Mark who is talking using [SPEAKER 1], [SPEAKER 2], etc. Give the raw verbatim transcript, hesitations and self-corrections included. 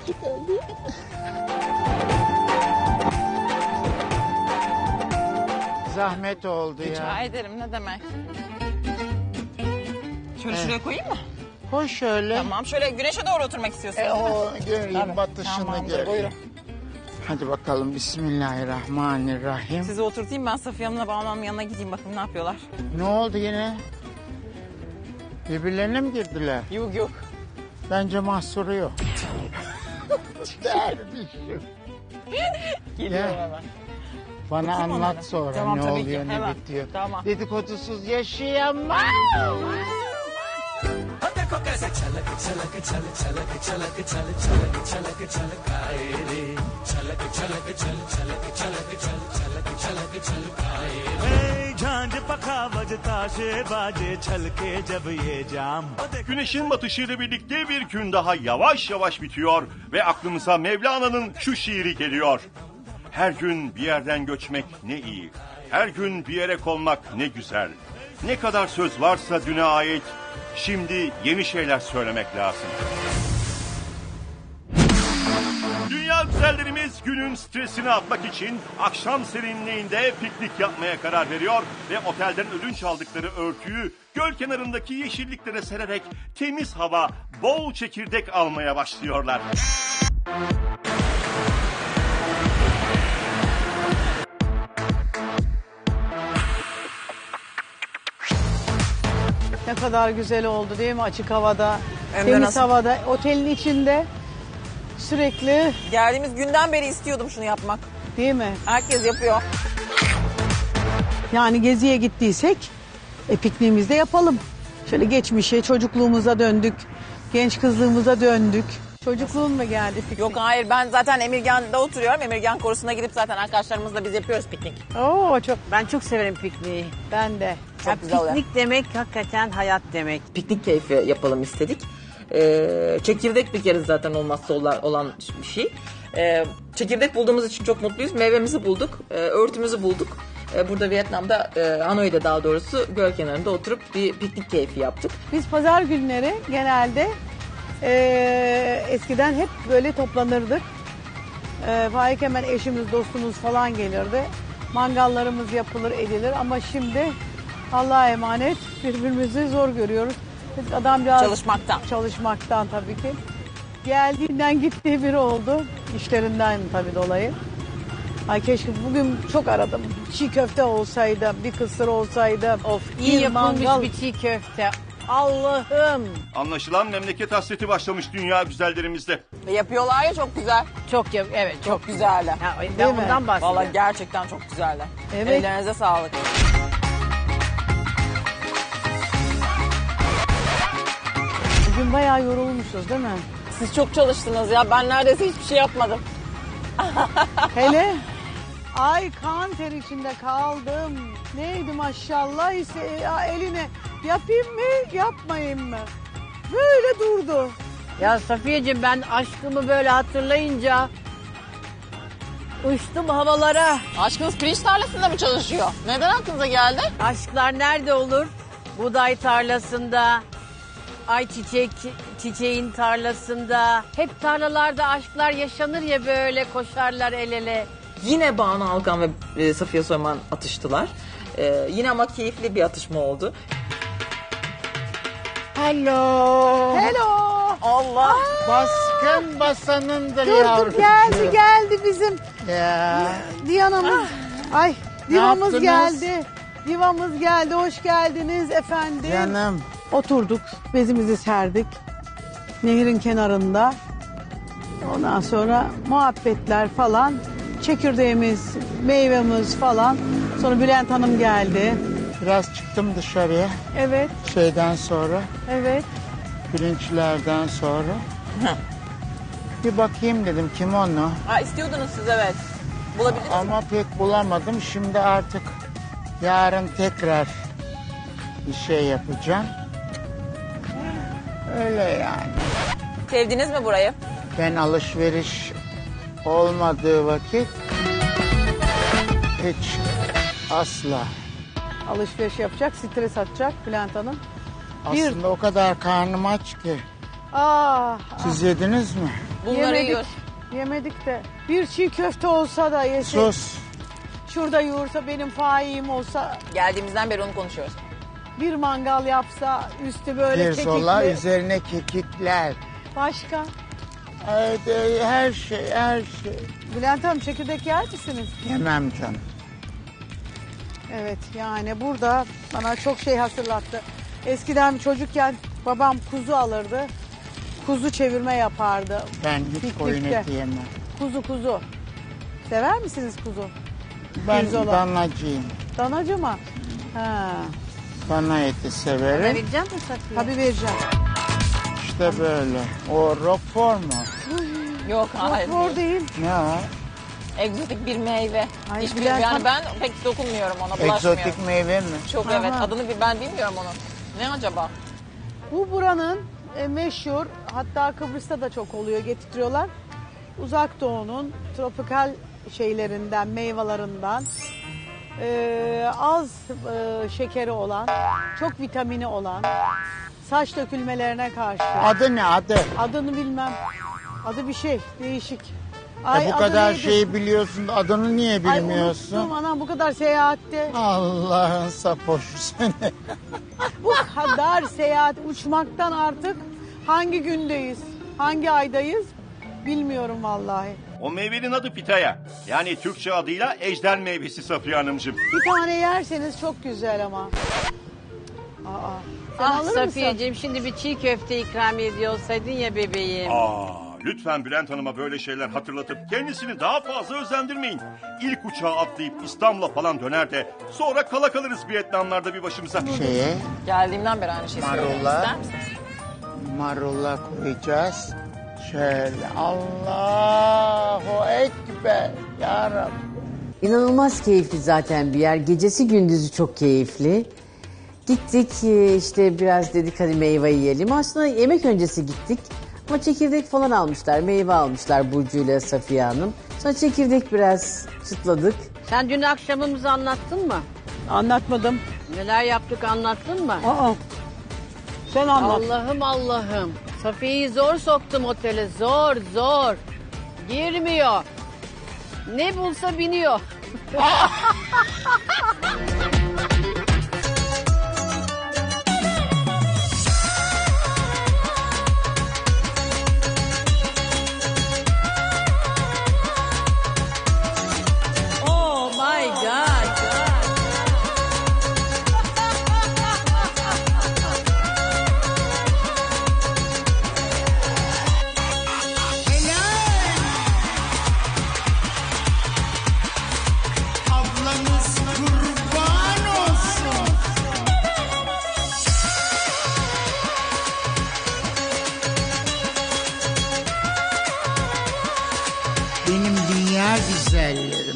[SPEAKER 1] Zahmet oldu ya.
[SPEAKER 2] Rica ederim, ne demek. Şöyle şuraya koyayım mı?
[SPEAKER 1] Koy şöyle.
[SPEAKER 2] Tamam, şöyle güneşe doğru oturmak istiyorsunuz.
[SPEAKER 1] E, o
[SPEAKER 2] Tabii.
[SPEAKER 1] göreyim, batışını
[SPEAKER 2] Tamamdır,
[SPEAKER 1] göreyim.
[SPEAKER 2] buyurun.
[SPEAKER 1] Hadi bakalım, bismillahirrahmanirrahim.
[SPEAKER 2] Sizi oturtayım, ben Safiye Hanım'la Banu Hanım'ın yanına gideyim, bakayım ne yapıyorlar.
[SPEAKER 1] Ne oldu yine? Birbirlerine mi girdiler?
[SPEAKER 2] Yok yok.
[SPEAKER 1] Bence mahsuru yok. Dervişim.
[SPEAKER 2] Geliyorum
[SPEAKER 1] Gel.
[SPEAKER 2] hemen.
[SPEAKER 1] Bana
[SPEAKER 2] Bakayım
[SPEAKER 1] anlat
[SPEAKER 2] onlara.
[SPEAKER 1] sonra
[SPEAKER 2] Tamam,
[SPEAKER 1] ne
[SPEAKER 2] tabii ki,
[SPEAKER 1] oluyor, ne
[SPEAKER 2] hemen.
[SPEAKER 1] bitiyor.
[SPEAKER 2] Tamam.
[SPEAKER 1] Dedikodusuz yaşayamam.
[SPEAKER 3] Güneşin batışıyla birlikte bir gün daha yavaş yavaş bitiyor ve aklımıza Mevlana'nın şu şiiri geliyor. Her gün bir yerden göçmek ne iyi, her gün bir yere konmak ne güzel. Ne kadar söz varsa düne ait, şimdi yeni şeyler söylemek lazım. Dünya güzellerimiz günün stresini atmak için akşam serinliğinde piknik yapmaya karar veriyor ve otelden ödünç aldıkları örtüyü göl kenarındaki yeşilliklere sererek temiz hava, bol çekirdek almaya başlıyorlar.
[SPEAKER 4] Ne kadar güzel oldu değil mi açık havada,
[SPEAKER 2] Hem de
[SPEAKER 4] temiz
[SPEAKER 2] nasıl?
[SPEAKER 4] havada, otelin içinde sürekli,
[SPEAKER 2] Geldiğimiz günden beri istiyordum şunu yapmak.
[SPEAKER 4] değil mi?
[SPEAKER 2] Herkes yapıyor.
[SPEAKER 4] Yani geziye gittiysek e, pikniğimizi de yapalım. Şöyle geçmişe, çocukluğumuza döndük, genç kızlığımıza döndük. Çocukluğun mu geldi piknik?
[SPEAKER 2] Yok hayır, ben zaten Emirgan'da oturuyorum. Emirgan Korusu'na gidip zaten arkadaşlarımızla biz yapıyoruz piknik.
[SPEAKER 4] Oo, çok,
[SPEAKER 5] Ben çok severim pikniği.
[SPEAKER 4] ben de.
[SPEAKER 2] Çok
[SPEAKER 5] Ya
[SPEAKER 2] güzel oluyor.
[SPEAKER 5] piknik demek hakikaten hayat demek.
[SPEAKER 6] Piknik keyfi yapalım istedik. Ee, çekirdek bir kere zaten olmazsa olan, olan bir şey. Ee, çekirdek bulduğumuz için çok mutluyuz. Meyvemizi bulduk, e, örtümüzü bulduk. E, burada Vietnam'da, e, Hanoi'de daha doğrusu göl kenarında oturup bir piknik keyfi yaptık.
[SPEAKER 4] Biz pazar günleri genelde e, eskiden hep böyle toplanırdık. E, Faik hemen eşimiz, dostumuz falan gelirdi. Mangallarımız yapılır, edilir ama şimdi Allah'a emanet birbirimizi zor görüyoruz. Biz adamcağız
[SPEAKER 2] Çalışmaktan.
[SPEAKER 4] çalışmaktan tabii ki. Geldiğinden gittiği biri oldu. İşlerinden tabii dolayı. Ay keşke bugün çok aradım. Çiğ köfte olsaydı, bir kısır olsaydı.
[SPEAKER 5] Of iyi
[SPEAKER 4] bir
[SPEAKER 5] yapılmış
[SPEAKER 4] mangal.
[SPEAKER 5] bir çiğ köfte. Allah'ım.
[SPEAKER 3] Anlaşılan memleket hasreti başlamış dünya güzellerimizde.
[SPEAKER 2] Ve yapıyorlar ya, çok güzel.
[SPEAKER 5] Çok yap evet çok.
[SPEAKER 2] Çok güzeller.
[SPEAKER 5] Ha,
[SPEAKER 4] Değil
[SPEAKER 5] ben
[SPEAKER 4] mi?
[SPEAKER 5] ondan bahsediyorum.
[SPEAKER 2] Vallahi gerçekten çok güzeller.
[SPEAKER 4] Evet.
[SPEAKER 2] Ellerinize sağlık.
[SPEAKER 4] Bugün bayağı yorulmuşuz değil mi?
[SPEAKER 2] Siz çok çalıştınız ya. Ben neredeyse hiçbir şey yapmadım.
[SPEAKER 4] Hele ay kan ter içinde kaldım. Neydi maşallah ise ya eline yapayım mı yapmayayım mı? Böyle durdu.
[SPEAKER 5] Ya Safiyeciğim ben aşkımı böyle hatırlayınca uçtum havalara.
[SPEAKER 2] Aşkınız pirinç tarlasında mı çalışıyor? Neden aklınıza geldi?
[SPEAKER 5] Aşklar nerede olur? Buğday tarlasında, ayçiçek çiçeğin tarlasında. Hep tarlalarda aşklar yaşanır ya böyle koşarlar el ele.
[SPEAKER 6] Yine Banu Alkan ve e, Safiye Soyman atıştılar. E, yine ama keyifli bir atışma oldu.
[SPEAKER 4] Hello. Hello.
[SPEAKER 2] Allah.
[SPEAKER 1] Baskın basanındır
[SPEAKER 4] Dur
[SPEAKER 1] yavrum.
[SPEAKER 4] dur geldi geldi bizim
[SPEAKER 1] Ya.
[SPEAKER 4] Diyanamız. Ay divamız
[SPEAKER 1] yaptınız?
[SPEAKER 4] geldi. Divamız geldi. Hoş geldiniz efendim.
[SPEAKER 1] Canım.
[SPEAKER 4] Oturduk, bezimizi serdik. Nehrin kenarında. Ondan sonra muhabbetler falan. Çekirdeğimiz, meyvemiz falan. Sonra Bülent Hanım geldi.
[SPEAKER 1] Biraz çıktım dışarıya
[SPEAKER 4] Evet,
[SPEAKER 1] şeyden sonra,
[SPEAKER 4] evet.
[SPEAKER 1] pirinçlerden sonra. Bir bakayım dedim kim onu.
[SPEAKER 2] Ha, istiyordunuz siz, evet. Bulabildiniz mi?
[SPEAKER 1] Ama pek bulamadım. Şimdi artık yarın tekrar bir şey yapacağım. Öyle yani.
[SPEAKER 2] Sevdiniz mi burayı?
[SPEAKER 1] Ben alışveriş olmadığı vakit hiç asla.
[SPEAKER 4] Alışveriş yapacak, stres atacak Bülent Hanım. Bir-
[SPEAKER 1] Aslında o kadar karnım aç ki.
[SPEAKER 4] Ah,
[SPEAKER 1] Siz yediniz mi?
[SPEAKER 2] Bunları
[SPEAKER 4] Yemedik.
[SPEAKER 2] yiyoruz.
[SPEAKER 4] Yemedik de. Bir çiğ köfte olsa da yesek.
[SPEAKER 1] Sus.
[SPEAKER 4] Şurada yoğursa benim faim olsa.
[SPEAKER 2] Geldiğimizden beri onu konuşuyoruz.
[SPEAKER 4] Bir mangal yapsa üstü böyle
[SPEAKER 1] Pirzola
[SPEAKER 4] kekikli.
[SPEAKER 1] üzerine kekikler.
[SPEAKER 4] Başka.
[SPEAKER 1] Evet, e, her şey her şey.
[SPEAKER 4] Bülent Hanım çekirdek yer misiniz?
[SPEAKER 1] Yemem canım.
[SPEAKER 4] Evet yani burada bana çok şey hatırlattı. Eskiden çocukken babam kuzu alırdı. Kuzu çevirme yapardı.
[SPEAKER 1] Ben hiç
[SPEAKER 4] Piknikte.
[SPEAKER 1] koyun eti yemem.
[SPEAKER 4] Kuzu kuzu. Sever misiniz kuzu?
[SPEAKER 1] Ben
[SPEAKER 4] Pirzola.
[SPEAKER 1] danacıyım.
[SPEAKER 4] Danacı mı? Ha.
[SPEAKER 1] Dana eti severim.
[SPEAKER 5] Vereceğim mi Safiye?
[SPEAKER 4] Tabii vereceğim.
[SPEAKER 1] İşte böyle. O roquefort mu?
[SPEAKER 2] Yok hayır.
[SPEAKER 4] Zor değil.
[SPEAKER 1] Ne o?
[SPEAKER 2] Egzotik bir meyve.
[SPEAKER 4] Ay,
[SPEAKER 2] Hiç
[SPEAKER 4] Bülent
[SPEAKER 2] bilmiyorum. Yani
[SPEAKER 4] Hanım-
[SPEAKER 2] ben pek dokunmuyorum ona, bulaşmıyorum.
[SPEAKER 1] Egzotik meyve mi?
[SPEAKER 2] Çok
[SPEAKER 4] Aha.
[SPEAKER 2] evet. Adını bir ben bilmiyorum onun. Ne acaba?
[SPEAKER 4] Bu buranın e, meşhur, hatta Kıbrıs'ta da çok oluyor, getiriyorlar. Uzak Doğu'nun tropikal şeylerinden, meyvelerinden e, az e, şekeri olan, çok vitamini olan, saç dökülmelerine karşı.
[SPEAKER 1] Adı ne adı?
[SPEAKER 4] Adını bilmem. Adı bir şey, değişik.
[SPEAKER 1] E
[SPEAKER 4] Ay,
[SPEAKER 1] bu
[SPEAKER 4] adı
[SPEAKER 1] kadar
[SPEAKER 4] neydi?
[SPEAKER 1] şeyi biliyorsun, adını niye
[SPEAKER 4] Ay,
[SPEAKER 1] bilmiyorsun?
[SPEAKER 4] unuttum anam, bu kadar seyahatte.
[SPEAKER 1] Allah'ın sapoşu seni.
[SPEAKER 4] Bu kadar seyahat, uçmaktan artık hangi gündeyiz, hangi aydayız bilmiyorum vallahi.
[SPEAKER 3] O meyvenin adı pitaya. Yani Türkçe adıyla ejder meyvesi Safiye Hanımcığım.
[SPEAKER 4] Bir tane yerseniz çok güzel ama. Aa, sen
[SPEAKER 5] Ah
[SPEAKER 4] alır mısın?
[SPEAKER 5] Safiyeciğim şimdi bir çiğ köfte ikram ediyor olsaydın ya bebeğim.
[SPEAKER 3] Aa, lütfen Bülent Hanım'a böyle şeyler hatırlatıp kendisini daha fazla özendirmeyin. İlk uçağa atlayıp İstanbul'a falan döner de sonra kala kalırız Vietnamlarda bir başımıza.
[SPEAKER 1] Şeye,
[SPEAKER 2] Geldiğimden beri aynı şeyi söylüyorum.
[SPEAKER 1] Marulla.
[SPEAKER 2] İster misiniz?
[SPEAKER 1] marulla koyacağız. Şöyle, Allahu Ekber. Ya Rabbi.
[SPEAKER 7] İnanılmaz keyifli zaten bir yer. Gecesi gündüzü çok keyifli. Gittik e, işte biraz dedik hadi meyve yiyelim. Aslında yemek öncesi gittik. Ama çekirdek falan almışlar. Meyve almışlar Burcu ile Safiye Hanım. Sonra çekirdek biraz çıtladık.
[SPEAKER 5] Sen dün akşamımızı anlattın mı?
[SPEAKER 4] Anlatmadım.
[SPEAKER 5] Neler yaptık anlattın mı?
[SPEAKER 4] Aa. Sen anlat.
[SPEAKER 5] Allah'ım Allah'ım. Safiye'yi zor soktum otele. Zor zor. Girmiyor. Ne bulsa biniyor. Oh my God.
[SPEAKER 1] Ablanız kurban olsun. Benim dünya güzellerim.